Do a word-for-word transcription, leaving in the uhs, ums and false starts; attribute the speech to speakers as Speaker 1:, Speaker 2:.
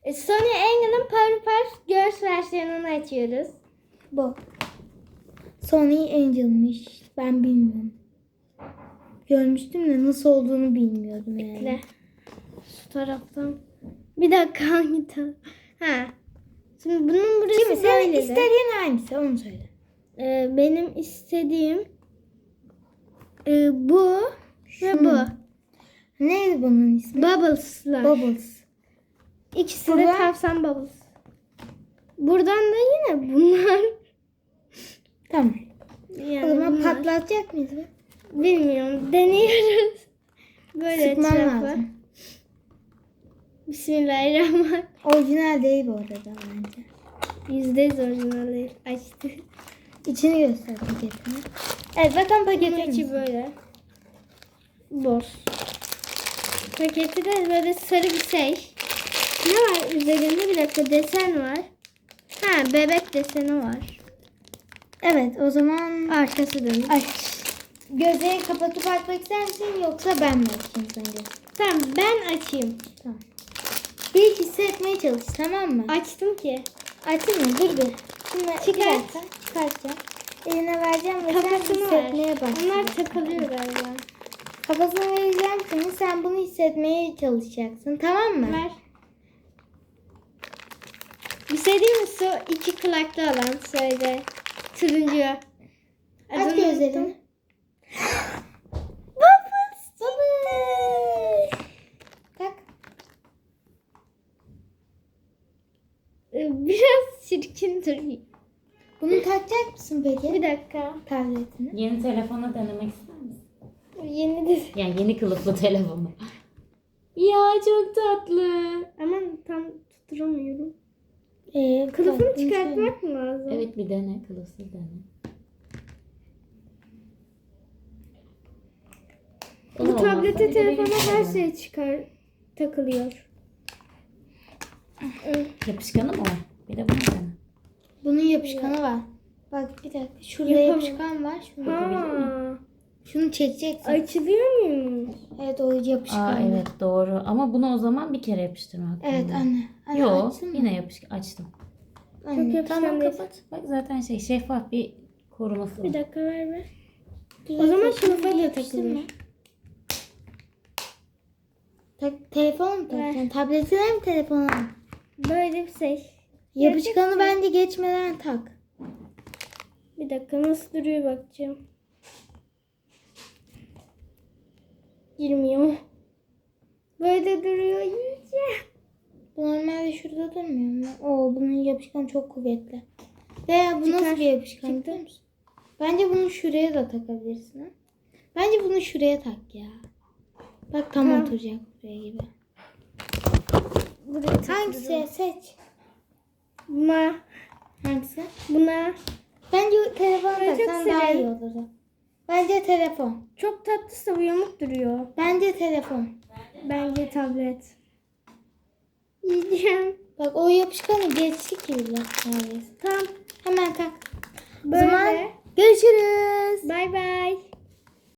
Speaker 1: E, Sony Engel'in Powerpuff Girls versiyonunu açıyoruz.
Speaker 2: Bu. Sony Angel'mış. Ben bilmiyorum. Görmüştüm de nasıl olduğunu bilmiyordum yani.
Speaker 1: Bekle. Şu taraftan. Bir dakika hangi taraf? Ha. Şimdi bunun burası
Speaker 2: Şimdi sen
Speaker 1: böyle de.
Speaker 2: istediğin hangisi onu söyle.
Speaker 1: Ee, benim istediğim e, bu ve bu.
Speaker 2: Şunu. Neydi bunun ismi?
Speaker 1: Bubbles'lar.
Speaker 2: Bubbles.
Speaker 1: İkisi
Speaker 2: Burada-
Speaker 1: de tavşan bubbles. Buradan da yine bunlar.
Speaker 2: Tamam.
Speaker 1: Yani
Speaker 2: O zaman
Speaker 1: bunlar.
Speaker 2: patlatacak mıyız? be?
Speaker 1: Bilmiyorum. Deniyoruz. Böyle
Speaker 2: Sıkman
Speaker 1: etrafı.
Speaker 2: lazım.
Speaker 1: Bismillahirrahmanirrahim.
Speaker 2: Orijinal değil bu arada bence.
Speaker 1: Yüzde yüz orijinal değil. Açtı.
Speaker 2: İçini göster paketini. Evet bakın
Speaker 1: Bunun
Speaker 2: paketin
Speaker 1: içi böyle. Boş. Paketi de böyle sarı bir şey. Ne var üzerinde? Bir dakika desen var. Ha bebek deseni var.
Speaker 2: Evet o zaman
Speaker 1: Arkası dönük.
Speaker 2: aç. Gözlerini kapatıp açmak ister misin yoksa ben mi açayım sence?
Speaker 1: Tamam ben açayım.
Speaker 2: Tamam. Bir hissetmeye çalış tamam mı?
Speaker 1: Açtım ki.
Speaker 2: Açayım mı? Dur bir. Şimdi
Speaker 1: Çıkart.
Speaker 2: bir dakika çıkartacağım. Eline vereceğim ve sen
Speaker 1: Kafasını ver.
Speaker 2: hissetmeye başlayacaksın.
Speaker 1: Onlar takılıyor galiba.
Speaker 2: Kafasını vereceğim seni. Sen bunu hissetmeye çalışacaksın. Tamam mı?
Speaker 1: Ver. Bir şey diyeyim mi? Su iki kulaklı olan söyle. Turuncu.
Speaker 2: Aç
Speaker 1: Adını
Speaker 2: gözlerini.
Speaker 1: unuttum.
Speaker 2: Bubbles. Bubbles. Tak.
Speaker 1: Ee, Biraz çirkin duruyor.
Speaker 2: Bunu takacak mısın peki?
Speaker 1: Bir dakika.
Speaker 2: Tabletini.
Speaker 3: Yeni telefona denemek ister misin?
Speaker 1: Yeni de.
Speaker 3: Yani yeni kılıflı telefonu. Ya çok tatlı.
Speaker 1: Ama tam tutturamıyorum.
Speaker 2: Ee,
Speaker 1: Kılıfını
Speaker 2: taktın şöyle.
Speaker 1: çıkartmak mı lazım?
Speaker 3: Evet bir dene kılıfsız dene.
Speaker 1: Bu
Speaker 3: Olmazsa
Speaker 1: tablete,
Speaker 3: bir de
Speaker 1: telefona
Speaker 3: benim
Speaker 1: her
Speaker 3: telefon.
Speaker 1: şey çıkar. Takılıyor.
Speaker 3: Yapışkanı mı var? Bir de bunu dene.
Speaker 2: Bunun yapışkanı var. Bak bir dakika. Şurada
Speaker 1: Yapamam.
Speaker 2: yapışkan var. Şunu,
Speaker 1: Ha.
Speaker 2: şunu çekeceksin.
Speaker 1: Açılıyor muymuş?
Speaker 2: Evet o yapışkan.
Speaker 3: Aa evet doğru. Ama bunu o zaman bir kere yapıştırmak.
Speaker 2: Evet
Speaker 3: lazım.
Speaker 2: anne. anne
Speaker 3: Yok
Speaker 2: açsın mı?
Speaker 3: yine yapışkan açtım.
Speaker 2: Anne,
Speaker 1: Çok yapışkan
Speaker 2: tamam
Speaker 1: değil.
Speaker 2: kapat.
Speaker 3: Bak zaten şey şeffaf bir koruması
Speaker 1: Bir
Speaker 3: var.
Speaker 1: dakika ver be.
Speaker 2: Güzel
Speaker 1: O zaman
Speaker 2: seçtim.
Speaker 1: kılıfa da
Speaker 2: Yapıştırma.
Speaker 1: takılır.
Speaker 2: Tak, telefona mı takacaksın? Tabletine mi telefona mı?
Speaker 1: Böyle bir şey.
Speaker 2: Yapışkanı bence geçmeden tak.
Speaker 1: Bir dakika nasıl duruyor bakacağım. Girmiyor. Böyle duruyor. Yiyeceğim.
Speaker 2: Bu normalde şurada durmuyor mu? Oo bunun yapışkanı çok kuvvetli. Veya bu
Speaker 1: Çıkar.
Speaker 2: nasıl bir yapışkan
Speaker 1: Çıktı.
Speaker 2: biliyor musun? Bence bunu şuraya da takabilirsin. Ha? Bence bunu şuraya tak ya. Bak tam
Speaker 1: Tamam.
Speaker 2: oturacak buraya gibi.
Speaker 1: Buraya
Speaker 2: Hangisi seç?
Speaker 1: Buna.
Speaker 2: Hangisi?
Speaker 1: Buna.
Speaker 2: Bence telefona
Speaker 1: Ben çok
Speaker 2: taksan daha iyi
Speaker 1: severim.
Speaker 2: olur. Bence telefon.
Speaker 1: Çok tatlısı bu yamuk duruyor.
Speaker 2: Bence telefon.
Speaker 1: Bence tablet. Yiyeceğim.
Speaker 2: Bak o yapışkanı geçti ki bile neredeyse.
Speaker 1: Tamam.
Speaker 2: Hemen tak. O
Speaker 1: Böyle.
Speaker 2: zaman görüşürüz.
Speaker 1: Bay bay.